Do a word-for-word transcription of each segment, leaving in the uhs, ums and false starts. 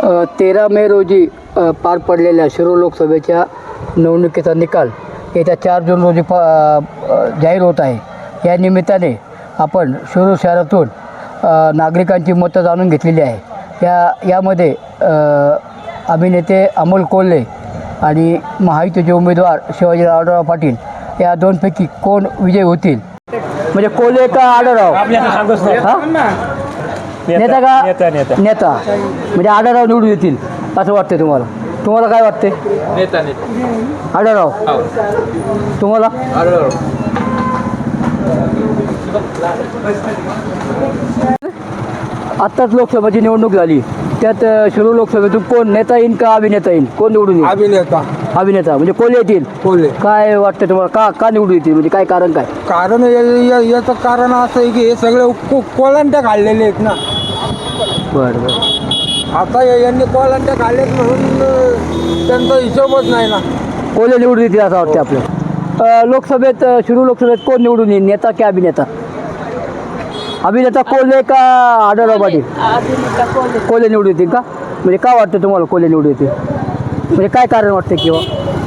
तेरा मे रोजी अ, पार पडलेल्या शिरूर लोकसभेच्या निवडणुकीचा निकाल येत्या चार जून रोजी प अ, जाहीर होत आहे. या निमित्ताने आपण शिरूर शहरातून अ, नागरिकांची मतं जाणून घेतलेली आहे. या यामध्ये अ, अभिनेते अमोल कोल्हे आणि महायुतीचे उमेदवार शिवाजीराव आढळराव पाटील या दोनपैकी कोण विजयी होतील? म्हणजे कोल्हे का आढळराव? नेता का नेता म्हणजे आढळराव निवडून येतील असं वाटतं तुम्हाला? तुम्हाला काय वाटते? नेता नेता आढळराव. तुम्हाला? आढळराव. आत्ताच लोकसभेची निवडणूक झाली, त्यात अ, शिरूर लोकसभेतून कोण नेता येईल का अभिनेता येईल? कोण निवडून येईल? अभिनेता अभिनेता म्हणजे कोल्हे येतील. कोल्हे. काय वाटतं तुम्हाला? का का निवडून येतील? म्हणजे काय कारण काय? कारण या- या- याचं कारण असं आहे की हे सगळे को कोलांट्या काढलेले आहेत ना. बरं बरं. आता या- यांनी कोलांट्या काढलेत म्हणून अं, त्यांचा हिशोबच नाही ना. कोल्हे निवडून येतील असं वाटतं आपलं. अ, लोकसभेत अ, शिरूर लोकसभेत कोण निवडून येईल, नेता की अभिनेता? अभिनेता कोल्हे का आढळराव पाटील? कोल्हे निवडून येतील का? म्हणजे का वाटतं तुम्हाला कोल्हे निवडून येतील? म्हणजे काय कारण वाटतं किंवा?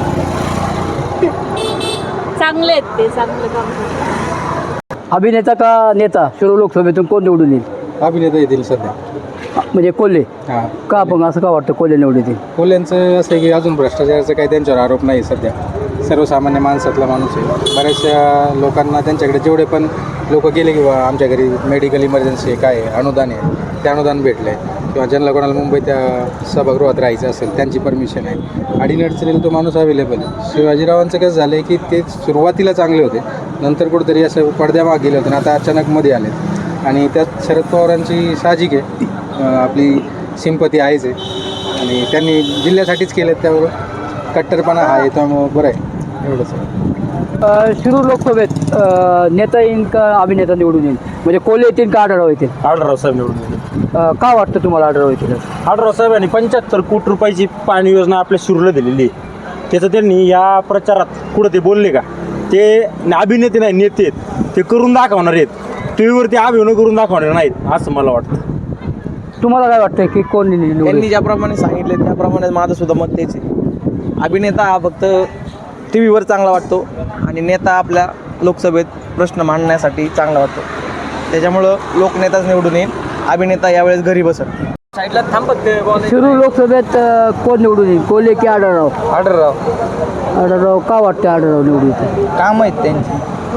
चांगले आहेत ते, चांगलं काम करतात. अभिनेता का नेता शिरूर लोकसभेतून कोण निवडून येईल? अभिनेता येतील सध्या. म्हणजे कोल्हे हां, का? पण असं का वाटतं कोल्हे निवडून येतील? कोल्ह्यांचं असं आहे की अजून भ्रष्टाचाराचा काही त्यांच्यावर आरोप नाही सध्या. सर्वसामान्य माणसातला माणूस आहे. बऱ्याचशा लोकांना त्यांच्याकडे जेवढे पण लोक गेले किंवा आमच्या घरी मेडिकल इमर्जन्सी आहे, काय आहे, अनुदान आहे, ते अनुदान भेटलं आहे किंवा ज्यांना कोणाला मुंबईत त्या सभागृहात राहायचं असेल त्यांची परमिशन आहे. अडीनडचणीला तो माणूस अवेलेबल आहे. शिवाजीरावांचं कसं झालं आहे की ते सुरुवातीला चांगले होते, नंतर कुठेतरी असं पडद्यामाग गेले होते आणि आता अचानक मध्ये आले आणि त्यात शरद पवारांची साहजिक आहे अं, आपली सिंपती आहेच आहे आणि त्यांनी जिल्ह्यासाठीच केलं त्यावर कट्टरपणा हा आहे, त्यामुळं बरं आहे एवढंच. अ, शिरूर लोकसभेत अ, नेता येईल का अभिनेता निवडून येईल? म्हणजे कोल्हे येतील का आढळराव येतील? आढळराव साहेब निवडून येतील. अ, का वाटतं तुम्हाला आढळराव येतील? आढळराव साहेबांनी पंच्याहत्तर कोटी रुपयाची पाणी योजना आपल्या शिरूरला दिलेली आहे. त्याचं त्यांनी या प्रचारात कुठं ते बोलले का? ते अभिनेते नाही, नेते आहेत. ते करून दाखवणार आहेत. टी व्हीवरती अभिनय करून दाखवणार नाहीत असं मला वाटतं. तुम्हाला काय वाटतं की कोण निवडून त्यांनी येईल? ज्याप्रमाणे सांगितले त्याप्रमाणे माझं सुद्धा मत तेच आहे. अभिनेता हा फक्त टी व्हीवर चांगला वाटतो आणि नेता आपल्या लोकसभेत प्रश्न मांडण्यासाठी चांगला वाटतो. त्याच्यामुळं लोकनेताच निवडून येईल. अभिनेता यावेळेस घरी बसत. साईडला थांबत शिरूर लोकसभेत अ, कोण निवडून येईल, कोल्हे की आढळराव? आढळराव. आढळराव. का वाटतं आढळराव निवडून येतील? काम आहेत त्यांची.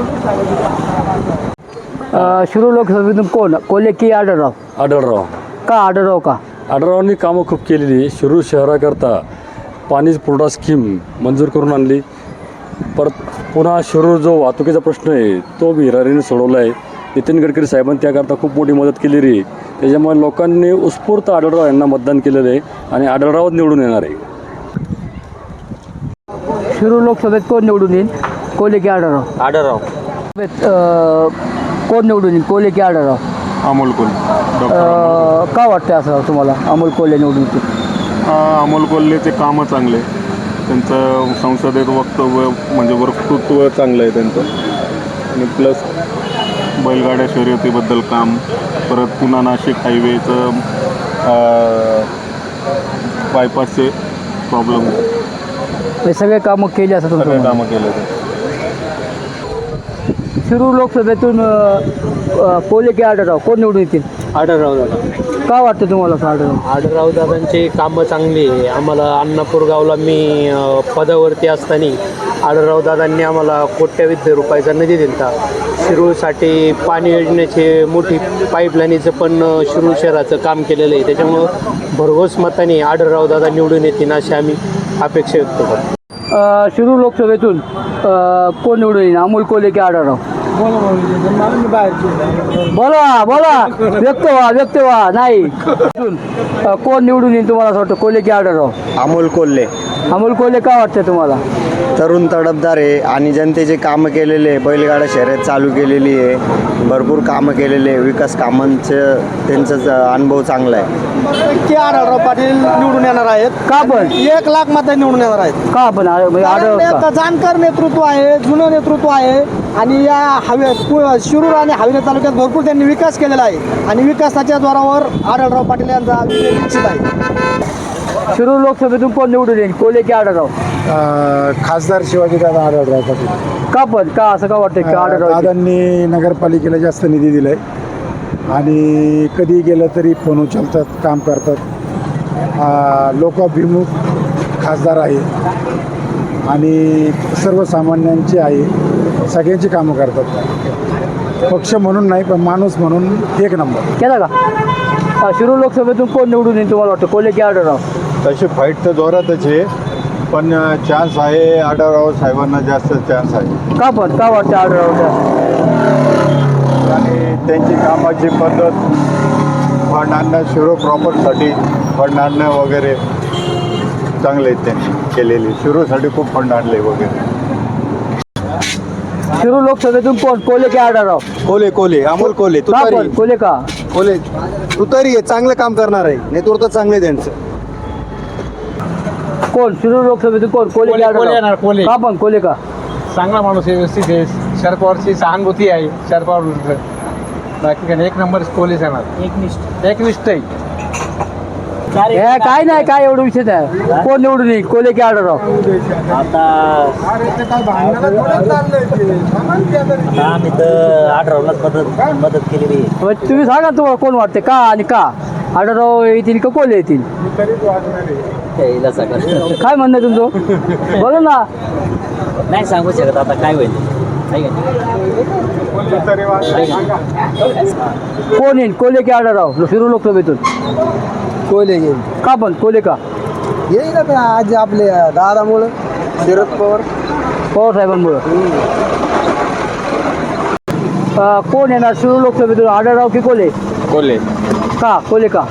अ, शिरूर लोकसभेतून कोण, कोल्हे की आढळराव? आढळराव. का आढळराव का? आढळरावांनी कामं खूप केलेली. शिरूर शहराकरता पाणी पुरवठा स्कीम मंजूर करून आणली. परत पुन्हा शिरूर जो वाहतुकीचा प्रश्न आहे तो हिरारीने सोडवला आहे. नितीन गडकरी साहेबांनी त्याकरता खूप मोठी मदत केलेली आहे. त्याच्यामुळे लोकांनी उत्स्फूर्त आढळराव यांना मतदान केलेलं आहे आणि आढळरावच निवडून येणार आहे. शिरूर लोकसभेत कोण निवडून येईल, कोल्हे की आढळराव? आढळराव. सभेत, अ, कोण निवडून येईल, कोल्हे की आढळराव? अमोल कोल्हे. अ, का वाटतं असं तुम्हाला अमोल कोल्हे निवडून येतील? अमोल कोल्हेचे कामं चांगले, त्यांचं संसदेत वक्तव्य म्हणजे वक्तृत्व चांगलं आहे त्यांचं आणि प्लस बैलगाड्या शर्यतीबद्दल काम, परत पुणा नाशिक हायवेचं बायपासचे प्रॉब्लेम, हे सगळे कामं केली असं सगळे तुमचं? कामं केले ते. शिरूर लोकसभेतून अ, अ, कोल्हे की आढळराव कोण निवडून येतील? आढळराव दादा. का वाटतं तुम्हाला असं आढळराव? आढळराव दादांची कामं चांगली आहे. आम्हाला अण्णापूर गावला मी अ, पदावरती असताना आढळराव दादांनी आम्हाला कोट्यावधी रुपयाचा निधी दिला. शिरूरसाठी पाणी योजनेचे मोठी पाईपलाईनीचं पण अ, शिरूर शहराचं काम केलेलं आहे. त्याच्यामुळं भरघोस मताने आढळराव दादा निवडून येतील अशी आम्ही अपेक्षा व्यक्त करतो. अ, शिरूर लोकसभेतून अ, कोण निवडून येईल, अमोल कोल्हे की आढळराव? बोला बोला, व्यक्त व्हा व्यक्त व्हा. नाही अ, कोण निवडून येईल तुम्हाला असं वाटतं, कोल्हे की आढळराव? अमोल कोल्हे. अमोल कोल्हे का वाटतं तुम्हाला? तरुण तडफदार आहे आणि जनतेचे कामं केलेले आहे. बैलगाडा शर्यत चालू केलेली आहे, भरपूर कामं केलेले आहे. विकास कामांचं त्यांचा अनुभव चांगला आहे. की आढळराव पाटील निवडून येणार आहेत. का पण? एक लाख मत निवडून येणार आहेत. का पण म्हणजे आढळराव कारण का? ते जाणकार नेतृत्व आहे, जुनं नेतृत्व आहे आणि या हवे पु- शिरूर आणि हवेली तालुक्यात भरपूर त्यांनी विकास केलेला आहे आणि विकासाच्या जोरावर आढळराव पाटील यांचा विजय निश्चित आहे. शिरूर लोकसभेतून कोण निवडून येईल, कोल्हे की आढळराव? खासदार शिवाजी दादा आढळराव पाटील. का पण का असं का वाटतं की आढळराव? दादांनी नगरपालिकेला जास्त निधी दिलाय आणि कधी गेलं तरी फोन उचलतात, काम करतात. लोकाभिमुख खासदार आहे आणि सर्वसामान्यांची आहे, सगळ्यांची कामं करतात. पक्ष म्हणून नाही पण माणूस म्हणून एक नंबर. केला का? हा, शिरूर लोकसभेतून कोण निवडून येईल तुम्हाला वाटतं, कोल्हे की आढळराव? तशी फाईट तर जोरातच आहे, पण चान्स आहे आढळराव साहेबांना जास्त चान्स आहे. का पण का वाटतं आढळराव? आणि त्यांची कामाची पद्धत, फंड आणणं, शिरो प्रॉपर्टीसाठी फंड आणणं वगैरे चांगले आहेत त्यांनी केलेली. शिरोसाठी खूप फंड आणले वगैरे. शिरूर लोकसभेतून कोण, कोल्हे की आढळराव? कोले कोले अमोल कोले का पण कोल्हे का? कोले तुतारी आहे, चांगलं काम करणार आहे, नेतृत्व चांगले त्यांचं. कोण शिरूर लोकसभेतून कोण, कोल्हे की आढळराव? का पण कोल्हे का? चांगला माणूस आहे, व्यवस्थित आहे, शरद पवारची सहानुभूती आहे शरद पवार. बाकी काय एक नंबर पोलीस येणार, एकनिष्ठ एकनिष्ठ आहे. हे काय नाही, काय एवढं विषय नाही. कोण निवडून येईल, कोल्हे की आढळराव? आम्ही तर आढळरावलाच मदत मदत केलेली आहे. मग तुम्ही सांगा तुम्हाला कोण वाटते, का आणि का? आढळराव येतील का कोल्हे येतील? काय म्हणणं आहे तुमचं? बोला ना. नाही सांगू शकत आता काय होईल. कोण येईल, कोल्हे की आढळराव शिरूर लोकसभेतून? कोले येईल का पण कोल्हे का? येईल आता आज आपले दादामुळं, शरद पवार पवार साहेबांमुळं. अं, कोण येणार शिरूर लोकसभेतून, आढळराव की कोल्हे? कोल्हे. का कोल्हे का?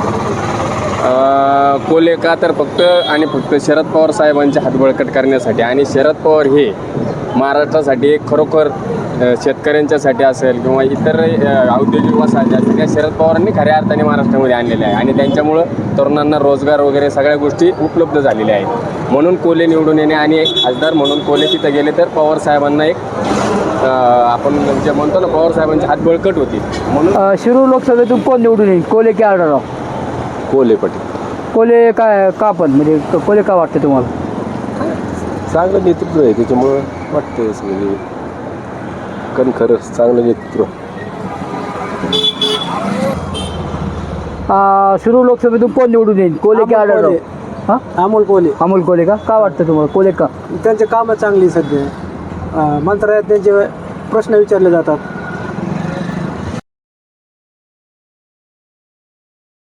कोल्हे का तर फक्त आणि फक्त शरद पवार साहेबांचे हात बळकट करण्यासाठी. आणि शरद पवार हे महाराष्ट्रासाठी एक खरोखर शेतकऱ्यांच्यासाठी असेल किंवा इतर औद्योगिक वसाहती असतील, त्या शरद पवारांनी खऱ्या अर्थाने महाराष्ट्रामध्ये आणलेल्या आहे आणि त्यांच्यामुळं तरुणांना रोजगार वगैरे सगळ्या गोष्टी उपलब्ध झालेल्या आहेत. म्हणून कोल्हे निवडून येणे आणि एक खासदार म्हणून कोल्हे तिथं गेले तर पवार साहेबांना एक आपण जे म्हणतो ना, पवार साहेबांची हात बळकट होती. म्हणून अं, शिरूर लोकसभेतून कोण निवडून येईल, कोल्हे की आढळराव? कोल्हे पाटील. कोल्हे काय का पण, म्हणजे कोल्हे का वाटते तुम्हाला? चांगलं नेतृत्व आहे त्याच्यामुळं वाटतं म्हणजे कारण खरंच चांगलं नेतृत्व. अं, शिरूर लोकसभेतून कोण निवडून येईल, कोल्हे की आढळराव? हां, अमोल कोले. अमोल कोल्हे का? का वाटतं तुम्हाला कोल्हे का? त्यांचे कामं चांगली सध्या, मंत्रालयात त्यांचे प्रश्न विचारले जातात.